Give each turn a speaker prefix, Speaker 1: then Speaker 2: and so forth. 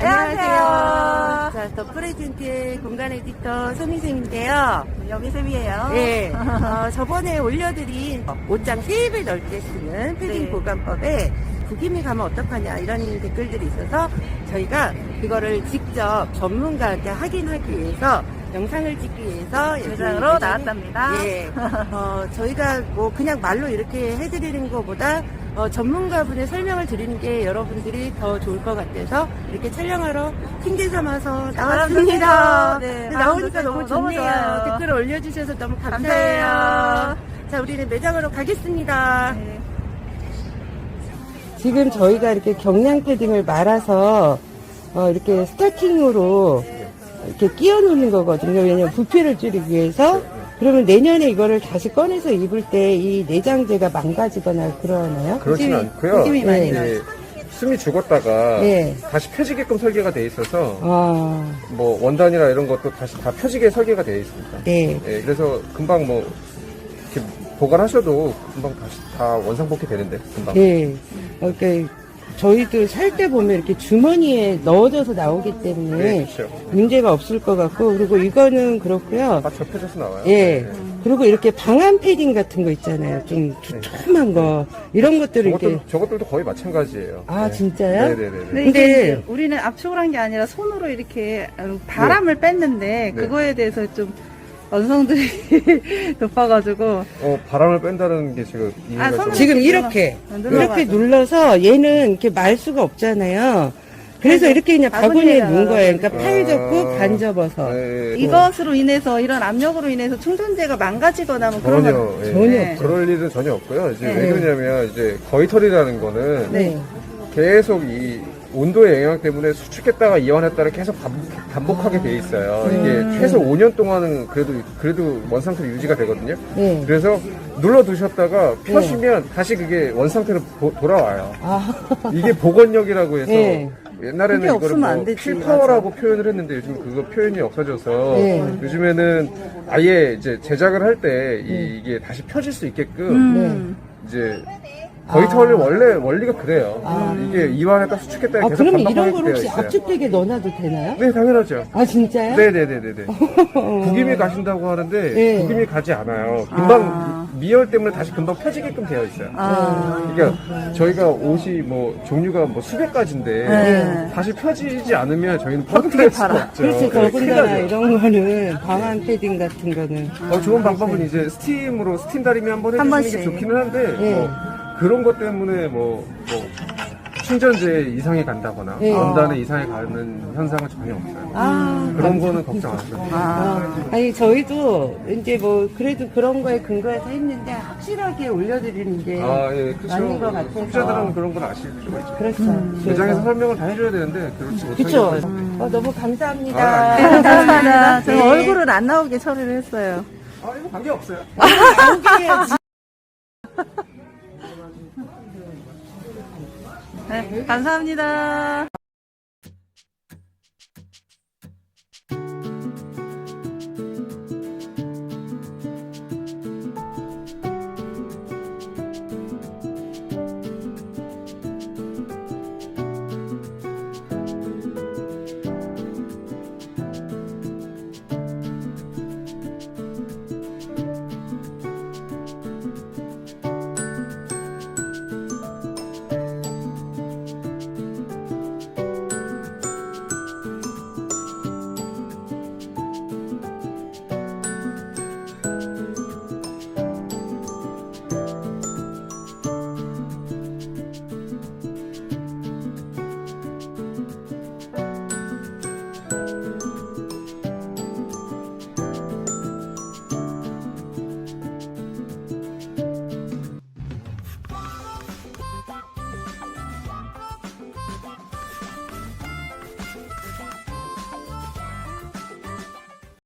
Speaker 1: 안녕하세요.
Speaker 2: 자, 더 프레젠트의 공간 에디터 손희생인데요.
Speaker 1: 여미쌤이에요.
Speaker 2: 네, 저번에 올려드린 옷장 3배 넓게 쓰는 패딩
Speaker 1: 네.
Speaker 2: 보관법에 구김이 가면 어떡하냐 이런 댓글들이 있어서 저희가 그거를 직접 전문가한테 확인하기 위해서 영상을 찍기 위해서
Speaker 1: 매장으로 나왔답니다.
Speaker 2: 예, 저희가 뭐 그냥 말로 이렇게 해드리는 것보다 전문가분의 설명을 드리는 게 여러분들이 더 좋을 것 같아서 이렇게 촬영하러 핑계 삼아서 나왔습니다.
Speaker 1: 네,
Speaker 2: 나오니까
Speaker 1: 바람도
Speaker 2: 너무
Speaker 1: 쐬고 너무
Speaker 2: 좋네요.
Speaker 1: 좋아요.
Speaker 2: 댓글 올려주셔서 너무 감사해요.
Speaker 1: 감사해요.
Speaker 2: 자, 우리는 매장으로 가겠습니다.
Speaker 1: 네.
Speaker 2: 지금 저희가 이렇게 경량 패딩을 말아서 이렇게 스타킹으로 이렇게 끼워 놓는 거거든요. 왜냐면 부피를 줄이기 위해서. 그러면 내년에 이거를 다시 꺼내서 입을 때 이 내장재가 망가지거나 그러나요?
Speaker 3: 그렇진 않고요.
Speaker 1: 구김이 많이
Speaker 2: 네.
Speaker 1: 나요.
Speaker 3: 숨이 죽었다가
Speaker 2: 네.
Speaker 3: 다시 펴지게끔 설계가 돼 있어서
Speaker 2: 아,
Speaker 3: 뭐 원단이나 이런 것도 다시 다 펴지게 설계가 되어 있습니다.
Speaker 2: 네.
Speaker 3: 예, 그래서 금방 뭐 이렇게 보관하셔도 금방 다시 다 원상복귀 되는데 금방.
Speaker 2: 네. 이렇게 저희도 살 때 보면 이렇게 주머니에 넣어져서 나오기 때문에
Speaker 3: 네, 그렇죠.
Speaker 2: 문제가 없을 것 같고, 그리고 이거는 그렇고요.
Speaker 3: 다 접혀져서 나와요.
Speaker 2: 예.
Speaker 3: 네.
Speaker 2: 그리고 이렇게 방한 패딩 같은 거 있잖아요. 좀 두툼한 거. 이런 것들을 이렇게.
Speaker 3: 저것들도 거의 마찬가지예요.
Speaker 2: 아,
Speaker 3: 네.
Speaker 2: 진짜요?
Speaker 3: 네네네.
Speaker 1: 근데
Speaker 2: 근데-
Speaker 1: 이게 우리는 압축을 한 게 아니라 손으로 이렇게 바람을 뺐는데
Speaker 3: 네.
Speaker 1: 그거에 대해서 좀 언성들이 높아가지고
Speaker 3: 바람을 뺀다는 게 지금 이해가
Speaker 1: 손으로
Speaker 3: 좀.
Speaker 2: 지금
Speaker 1: 이렇게
Speaker 2: 이렇게
Speaker 1: 눌러가지고.
Speaker 2: 눌러서 얘는 이렇게 말 수가 없잖아요. 그래서 이렇게 그냥 바구니에
Speaker 1: 바구니에다가
Speaker 2: 넣은 거예요. 그러니까
Speaker 3: 아.
Speaker 2: 팔 접고 반 접어서.
Speaker 3: 네,
Speaker 1: 이것으로 인해서 이런 압력으로 인해서 충전재가 망가지거나 뭐 그런
Speaker 3: 전혀,
Speaker 1: 건
Speaker 3: 예.
Speaker 2: 전혀
Speaker 1: 네.
Speaker 3: 그럴 일은 전혀 없고요. 이제
Speaker 2: 네.
Speaker 3: 왜 그러냐면 이제 거위털이라는 거는
Speaker 2: 네.
Speaker 3: 계속 이 온도의 영향 때문에 수축했다가 이완했다를 계속 반복하게 돼 있어요. 이게 최소 5년 동안은 그래도 원 상태로 유지가 되거든요.
Speaker 2: 네.
Speaker 3: 그래서 눌러 두셨다가 펴시면 다시 그게 원 상태로 돌아와요.
Speaker 2: 아,
Speaker 3: 이게 복원력이라고 해서
Speaker 2: 네.
Speaker 3: 옛날에는
Speaker 1: 그게
Speaker 3: 이거를
Speaker 1: 없으면
Speaker 3: 뭐
Speaker 1: 안 되지,
Speaker 3: 필파워라고 표현을 했는데 요즘 그거 표현이 없어져서
Speaker 2: 네.
Speaker 3: 요즘에는 아예 이제 제작을 할 때 이게 다시 펴질 수 있게끔
Speaker 1: 음.
Speaker 3: 이제 거위털을 원래 원리가 그래요. 이게 이완했다 수축했다
Speaker 2: 아,
Speaker 3: 계속
Speaker 2: 그러면 이런
Speaker 3: 반복하게
Speaker 2: 걸
Speaker 3: 되어
Speaker 2: 혹시
Speaker 3: 있어요.
Speaker 2: 압축팩에 넣어놔도 되나요?
Speaker 3: 네, 당연하죠.
Speaker 2: 아, 진짜요?
Speaker 3: 네네네네네. 구김이 가신다고 하는데
Speaker 2: 네.
Speaker 3: 구김이 가지 않아요. 금방 미열 때문에 다시 금방 펴지게끔 되어 있어요. 그러니까 저희가 옷이 뭐 종류가 뭐 수백 가지인데
Speaker 1: 네.
Speaker 3: 다시 펴지지 않으면 저희는 퍼득할 수가 없죠.
Speaker 2: 그렇지,
Speaker 3: 네, 큰일
Speaker 2: 더군다나
Speaker 3: 나죠.
Speaker 2: 이런 거는 방한 패딩 같은 거는.
Speaker 3: 좋은 방법은 이제 스팀 다리미 한번
Speaker 1: 한
Speaker 3: 해주시는 게
Speaker 1: 번씩.
Speaker 3: 좋기는 한데
Speaker 2: 네.
Speaker 3: 뭐 그런 것 때문에 뭐 충전재 이상이 간다거나
Speaker 2: 네.
Speaker 3: 원단에 이상이 가는 현상은 전혀 없어요.
Speaker 2: 아,
Speaker 3: 그런 거는 걱정 안 하셔도 돼요.
Speaker 2: 아니, 저희도 이제 뭐, 그래도 그런 거에 근거해서 했는데, 확실하게 올려드리는 게.
Speaker 3: 예, 그렇죠.
Speaker 2: 맞는 것 같아서.
Speaker 3: 소비자들은 그런 건 아실 필요가 있죠.
Speaker 2: 그렇죠.
Speaker 3: 매장에서 설명을 다 해줘야 되는데 그렇지 못하게
Speaker 2: 그쵸.
Speaker 3: 해서.
Speaker 2: 너무 감사합니다.
Speaker 3: 아,
Speaker 1: 네, 감사합니다. 저
Speaker 2: 네.
Speaker 1: 얼굴은 안 나오게 처리를 했어요.
Speaker 3: 이거 관계 없어요.
Speaker 1: 네, 감사합니다.